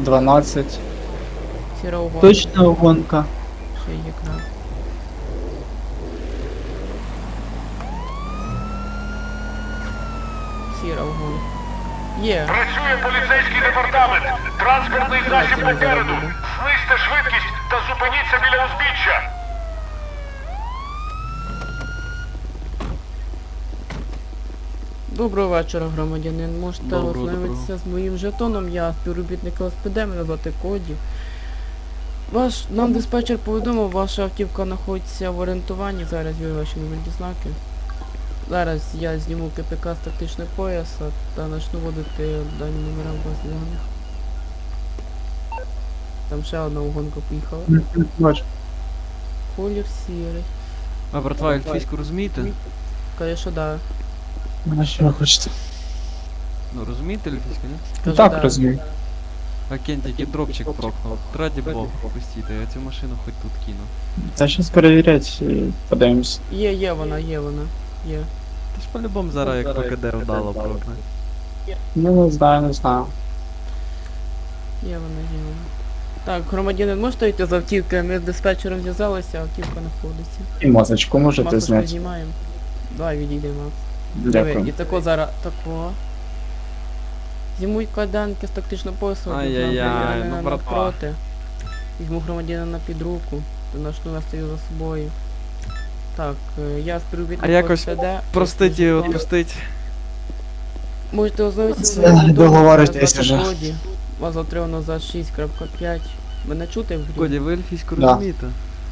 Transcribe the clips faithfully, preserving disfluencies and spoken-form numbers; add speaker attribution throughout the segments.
Speaker 1: дванадцять.
Speaker 2: Сіра угонка.
Speaker 1: Точна гонка.
Speaker 2: Ще є краб. Сіра угонка. Є.
Speaker 3: Працює поліцейський департамент. Транспортний засіб попереду. Знизьте швидкість та зупиніться біля узбіччя.
Speaker 2: Доброго вечора, громадянин. Можете
Speaker 4: Доброго,
Speaker 2: ознайомитися з моїм жетоном. Я співробітник Л С П Д, мене звати Коді. Ваш, нам диспетчер повідомив, ваша автівка знаходиться в орієнтуванні. Зараз є ваші номерні знаки. Зараз я зніму К П К з тактичного пояса та почну вводити дані номера в базі даних. Там ще одна угонка поїхала.
Speaker 1: Бачу.
Speaker 2: Колір сірий.
Speaker 4: А братва, ельфійську розумієте?
Speaker 2: Каже, що да.
Speaker 1: А що ви хочете?
Speaker 4: Ну розумієте ельфійську, ні?
Speaker 2: Каже,
Speaker 1: Так
Speaker 2: да.
Speaker 1: розумію.
Speaker 4: А Кен тільки дропчик прокнув. Раді Бога, пустіть, я цю машину хоч тут кину.
Speaker 1: Та щас перевірять і подивимось.
Speaker 2: Є, є вона, є вона. Є.
Speaker 4: Ти ж по-любому зараз як покиде вдало прокне.
Speaker 1: Ну не знаю, не знаю.
Speaker 2: Є вона, є вона. Так, громадянин, можете йти з автівки? Ми з диспетчером зв'язалися, автівка знаходиться.
Speaker 1: І мозочку можете
Speaker 2: Масочку
Speaker 1: зняти.
Speaker 2: знімаємо. Давай відійдемо. Диви, і
Speaker 1: Дякую.
Speaker 2: тако зараз, тако. Знімуть кайданки з тактичного поясу,
Speaker 4: Ай-яй-яй, ну, братва.
Speaker 2: навпроти. Візьму громадянина під руку, та начну вести його за собою. Так, е, я співробітник
Speaker 4: А якось
Speaker 2: Л С П Д.
Speaker 4: Простить і
Speaker 2: Жетон.
Speaker 4: відпустить.
Speaker 2: Можете ознайомитися з
Speaker 1: Це
Speaker 2: моїм жетоном,
Speaker 1: договоритесь
Speaker 2: мене звати
Speaker 1: вже.
Speaker 2: Коді. Вас затримано за шість крапка п'ять. Мене чути в грі?
Speaker 4: Коді, ви ельфійську
Speaker 1: Да.
Speaker 4: розумієте?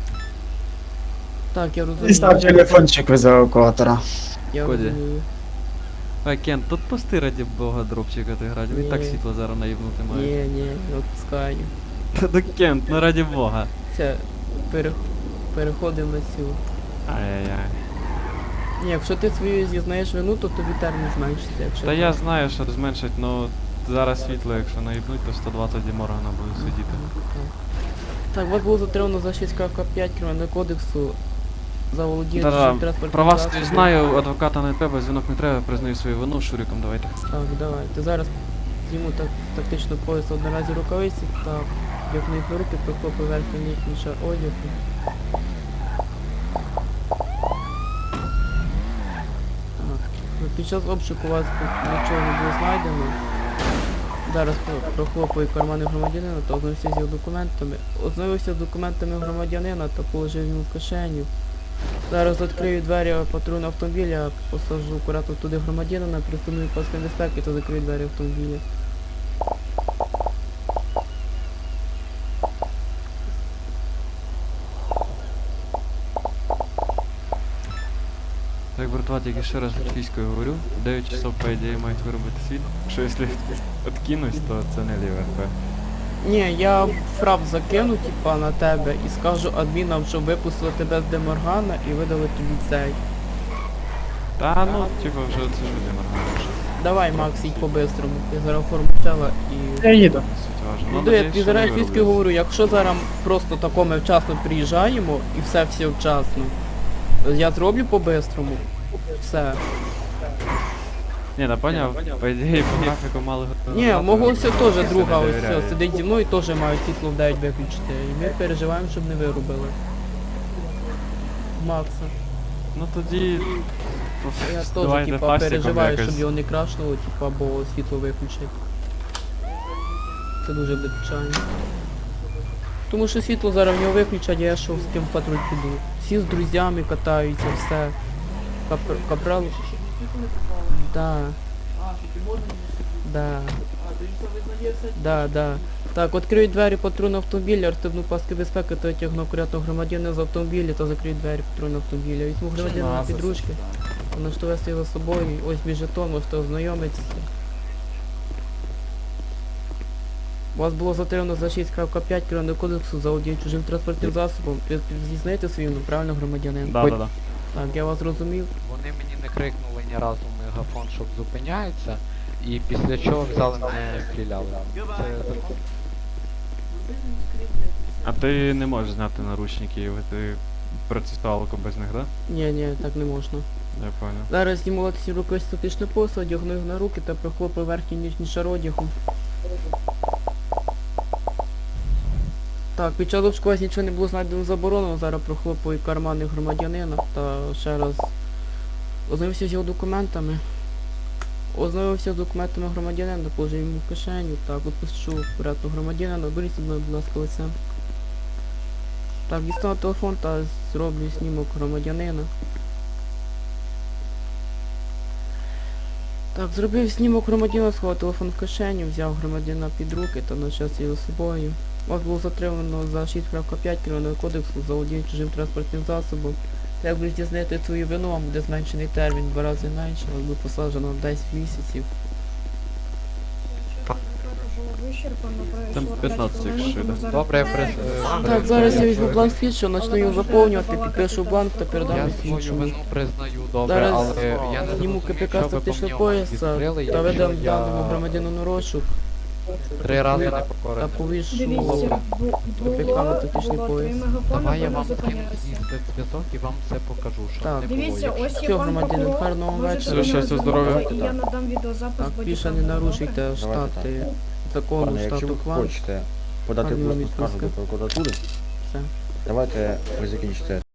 Speaker 2: Так, я
Speaker 1: І
Speaker 2: розумію.
Speaker 1: став телефончик від евакуатора.
Speaker 2: Я
Speaker 4: Коді.
Speaker 2: розумію.
Speaker 4: А Кен, тут пусти раді Бога дропчика ти грати, він
Speaker 2: Ні.
Speaker 4: так світло зараз наїбнути має.
Speaker 2: Ні, ні, не відпускаю.
Speaker 4: Та до Кен, ну раді Бога.
Speaker 2: Все, пере... переходимо на цю.
Speaker 4: Ай-яй-яй.
Speaker 2: Ні, якщо ти свою зізнаєш вину, то тобі термін зменшиться. Якщо
Speaker 4: Та
Speaker 2: так.
Speaker 4: я знаю, що зменшить, но зараз світло, якщо наїбнуть, то сто двадцять Діморгана буде сидіти.
Speaker 2: Так, вас було затримано за шість крапка п'ять Кримінального кодексу за володіння
Speaker 4: Та-да,
Speaker 2: чужим транспортним
Speaker 4: про вас
Speaker 2: засобом.
Speaker 4: не знаю, адвоката не треба, дзвінок не треба, признаю свою вину, шуриком давайте.
Speaker 2: Так, давайте. Зараз зніму так, тактично пояс одноразі рукавиці, так, вдягну їх на руки, прихоплю верхній нижній шар одягу. Так, ну, під час обшуку вас тут нічого не було знайдено. Зараз про- прохлопаю кармани громадянина та ознайомився з його документами. Ознайомився з документами громадянина та положив йому в кишеню. Зараз відкрию двері патрульного автомобіля, посаджу акуратно туди громадянина, пристегну паски безпеки та закрию двері автомобіля.
Speaker 4: Так, братва, тільки ще раз ельфійською говорю, дев'ять часов, по ідеї, мають виробити світ. Якщо якщо відкинусь, то це не ліве РП.
Speaker 2: Ні, я фрап закину, типа, на тебе і скажу адмінам, щоб випустили тебе з Деморгана і видали тобі цей.
Speaker 4: Та ну, типа вже це ж Діморган.
Speaker 2: Давай, Макс, їдь по-бистрому. Я зараз оформлю чела і...
Speaker 1: Я їду.
Speaker 4: Суть важна.
Speaker 2: Ну,
Speaker 4: Ну,
Speaker 2: диви, я
Speaker 4: надіюсь,
Speaker 2: тобі
Speaker 4: що
Speaker 2: зараз
Speaker 4: ви
Speaker 2: фізки
Speaker 4: виробите.
Speaker 2: говорю, якщо зараз просто тако ми вчасно приїжджаємо і все всі вчасно, я зроблю по-бистрому. Все.
Speaker 4: Ні, да поняв, по ідеї, по графіку мали...
Speaker 2: Ні, мого все теж
Speaker 4: Я
Speaker 2: друга
Speaker 4: не
Speaker 2: ось
Speaker 4: довіряю.
Speaker 2: все, сидить зі мною і теж мають світло в дев'ять виключити. І ми переживаємо, щоб не вирубили. Макса.
Speaker 4: Ну тоді...
Speaker 2: Я теж
Speaker 4: давайте
Speaker 2: типа
Speaker 4: фастиком
Speaker 2: переживаю,
Speaker 4: якось.
Speaker 2: щоб його не крашнуло, типа, бо світло виключить. Це дуже буде печально. Тому що світло зараз в нього виключать, а я що з ким в патруль піду. Всі з друзями катаються, все. Капр... Капрал. Да. Да. Да, да. Так, відкрию двері патрульного автомобіля, розстебну паски безпеки та витягну акуратно громадянина з автомобіля та закрию двері патрульного автомобіля. Візьму громадянина на підручки, начну вести його за собою, ось мій жетон, можете ознайомитися. Вас було затримано за шість крапка п'ять Кримінального кодексу за володіння чужим транспортним засобом. Ви зізнаєте свою вину, правильно, громадянин?
Speaker 4: Да, да, да.
Speaker 2: Так, я вас зрозумів.
Speaker 5: Вони мені не крикнули ні разу в мегафон, щоб зупиняється, і після чого взяли мене стріляли. Це закон.
Speaker 4: А ти не можеш зняти наручники, ти процесуалку без них, да?
Speaker 2: Ні, ні, так не можна.
Speaker 4: Я понял.
Speaker 2: Зараз зніму ці руки статичне посуд, одягну їх на руки та прихоплю верхній нижній шар одягу. Так, під час обшуку у вас нічого не було знайдено заборонено, зараз прохлопую кармани громадянина та ще раз ознайомився з його документами. Ознайомився з документами громадянина, положив йому в кишеню, так, відпущу порядку громадянина, беріть зі мною, будь ласка, лице. Так, дістану телефон та зроблю знімок громадянина. Так, зробив знімок громадянина, сховав телефон в кишеню, взяв громадянина під руки та почав його з собою. Вас було затримано за шість крапка п'ять Кримінального кодексу за володіння чужим транспортним засобом. Та як ви здійснити свою вину, вам буде зменшений термін, два рази менше, вас буде посаджено на десять місяців.
Speaker 6: Там п'ятнадцять, якщо йде.
Speaker 5: Добре, я прис... е,
Speaker 2: Так, зараз я візьму бланк слідчого, почну його заповнювати, підпишу бланк та передам
Speaker 5: Я
Speaker 2: його
Speaker 5: свою
Speaker 2: слідчому.
Speaker 5: вину признаю, добре,
Speaker 2: Зараз
Speaker 5: але я не
Speaker 2: зніму
Speaker 5: зрозумів,
Speaker 2: КПК
Speaker 5: що ви по
Speaker 2: статичного
Speaker 5: ньому
Speaker 2: пояса
Speaker 5: відкрили,
Speaker 2: та
Speaker 5: якщо
Speaker 2: видам
Speaker 5: я
Speaker 2: даному громадянину розшук
Speaker 5: три рази не
Speaker 2: та
Speaker 5: покорився.
Speaker 2: повішу
Speaker 7: Дивіться,
Speaker 2: КПК на тактичний
Speaker 7: було
Speaker 2: пояс.
Speaker 7: три мегафони,
Speaker 5: Давай я
Speaker 7: ви
Speaker 5: вам
Speaker 7: не
Speaker 5: кину
Speaker 7: зупинялися.
Speaker 5: їсти зв'язок і вам все покажу, що
Speaker 2: Так.
Speaker 5: не було.
Speaker 7: Дивіться,
Speaker 5: Якщо-
Speaker 7: ось є
Speaker 2: Все,
Speaker 7: пан
Speaker 2: громадянин,
Speaker 7: прокурор,
Speaker 2: гарного
Speaker 7: можете
Speaker 2: вечора.
Speaker 7: до нього
Speaker 4: Щастя, здоров'я.
Speaker 7: звернутися, і я надам відеозапис
Speaker 2: Так, більше
Speaker 7: бодікамери,
Speaker 2: не нарушуйте
Speaker 7: добре?
Speaker 2: штати закону
Speaker 8: Пане, якщо
Speaker 2: штату
Speaker 8: ви
Speaker 2: Кван.
Speaker 8: хочете подати
Speaker 2: Гарної
Speaker 8: просто
Speaker 2: відпустки.
Speaker 8: скаргу до прокуратури,
Speaker 2: Все.
Speaker 8: давайте ви закінчите